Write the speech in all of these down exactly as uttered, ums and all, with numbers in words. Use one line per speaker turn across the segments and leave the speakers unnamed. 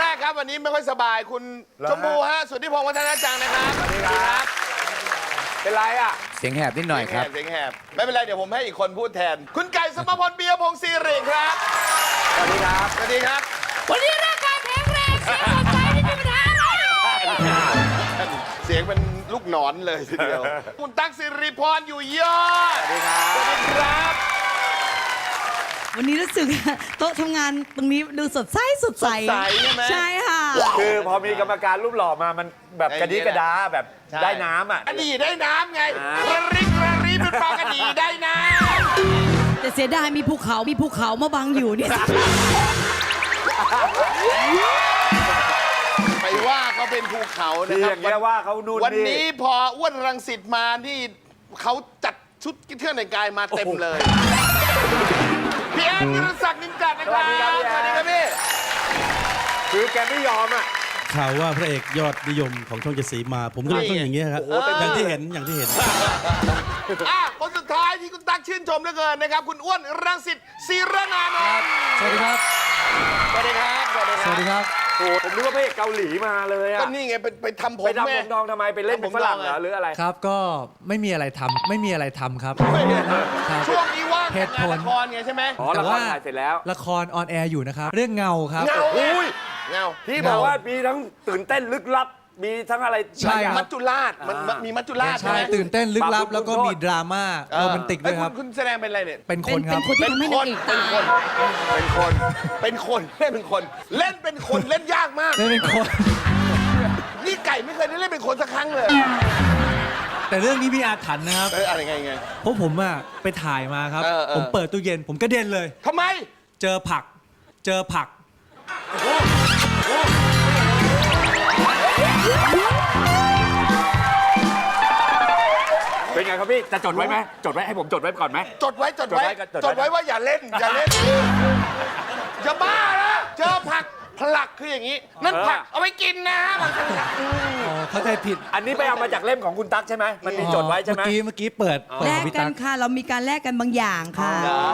กครับวันนี้ไม่ค่อยสบายคุณชมพูฮะสุทธิพงศ์วัฒนจังนะครับสวัสดีครับเป็นไรอ่ะ
เสียงแหบนิดหน่อยครับ
เสียงแหบไม่เป็นไรเดี๋ยวผมให้อีกคนพูดแทนคุณไก่สมพลเบียร์พงศ์ศิริครับสวัสดีครับสวัสดีครับ
วันนี้ร่างกายแข็งแรงเสียงสดใสไม่มีปัญหาอะไร
เสียงเป็นลูกหนอนเลยทีเดียวคุณตั๊กสิริพรอยู่ยอดสวัสดีครับสวัสดีครับ
วันนี้รู้สึกโต๊ะทำงานตรงนี้ดูสดใสสดใส
ใช่ไหม
ใช่ค่ะ
คือพอมีกรรมการรูปหล่อมามันแบบกระดิกระดาแบบได้น้ำอ่ะ
กระดีได้น้ำไงกระริกกระรีเป็นปลากระดีได้น้ำ
แต่เสียดายมีภูเขามีภูเขามาบังอยู่เนี่ย
ไปว่าเขาเป็นภูเขานะครั
บอย่างเงี้ยว่าเขานู่น
วันนี้พออ้วนรังสิตมานี่เขาจัดชุดเที่ยวในกายมาเต็มเลยพี่แอนนิรศักดิ์นินจัดนะครับสวัสดีครับพี่
คือแกไม่ยอมอ่ะ
ข่าวว่าพระเอกยอดนิยมของช่องเจ็ดสีมาผมก็เลยต้องอย่างนี้ครับอย่างที่เห็นอย่างที่เห็น
อ่ะคนสุดท้ายที่คุณตั๊กชื่นชมเหลือเกินนะครับคุณอ้วนรังสิตศิรนานนท์
สวัสดีครับ
สวัสดีครับสวัสดีครับ
สวัสดีครับ
โอ้ผมนึกว่าพระเอกเกาหลีมาเลยอ่ะ
ก็นี่ไงไปไปทำผม
ไปทำผมทองทำไมไปเล่นเป็นฝรั่งเหรอหรืออะไร
ครับก็ไม่มีอะไรทำไม่มีอะไรทำครับ
ช่วงนี้ว่าง
เหตุผล
ละครไงใช่ไหม
อ๋อละครถ่ายเสร็จแล้ว
ละครออนแอร์อยู่นะครับเรื่องเงาครับ
เงาอุ้ยเงา
ที่บอกว่ามีทั้งตื่นเต้นลึกลับมีทั้งอะไร
ใช่ครับ
มัจจุราชมันมีมัจจุราช
ใช่ตื่นเต้นลึกลับแล้วก็มีดราม่าโรแมนติกด้วยครับ
คุณแสดงเป็นอะไรเนี่ย
เป็นคนครับ
เป็นคนที่ทำให้นางเอกตาย
เป็นคนเป็นคนเล่นเป็นคนเล่นเป็นคนเล่นยากมาก
เล่นเป็นคน
นี่ไก่ไม่เคยได้เล่นเป็นคนสักครั้งเลย
แต่เรื่องนี้มีอาถรรพ์นะครับ
เอออะไรไงไง
เพราะผมอะไปถ่ายมาครับผมเปิดตู้เย็นผมกระเด็นเลย
ทำไม
เจอผักเจอผัก
เป็นไงครับพี่จะจดไว้ไหมจดไว้ให้ผมจดไว้ก่อนไหม
จดไว้จดไว้จดไว้ว่าอย่าเล่นอย่าเล่นจะบ้านะเจอผักผลักคืออย่างนี้นั่นผักเอาไว้กินนะบางที
เข้าใจผิด
อันนี้ไปเอามาจากเล่มของคุณตั๊กใช่ไหมมันมีจดไว้ใช่ไหม
เมื่อกี้เมื่อกี้เปิด
แลกกันค่ะเรามีการแลกกันบางอย่างค่ะ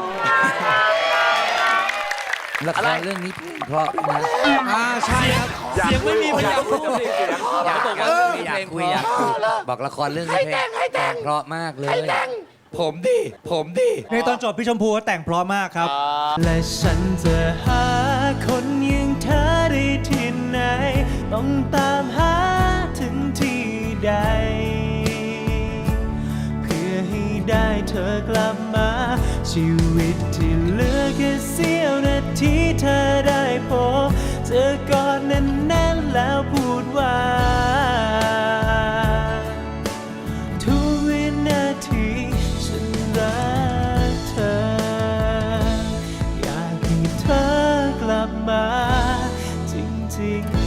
ละครเรื่องนี้เพราะนะ
อ่าใช่ครับเสียงไม่มีพยายามพูด
อยากบอกว่าอยากคุยอยากคุยบอกละครเรื่องนี้แต่งเพราะมากเลยผมดิผมดิ
ในตอนจบพี่ชมพูแต่งเพราะมากครับและฉันจะหาคนอย่างเธอได้ที่ไหนต้องตามหาถึงที่ใดเพื่อให้ได้เธอกลับมาชีวิตที่เหลือแค่เสี้ยวนาทีเธอได้พบเธอกอดแน่นๆแล้วพูดว่าทุกวินาทีฉันรักเธออยากให้เธอกลับมาจริงๆ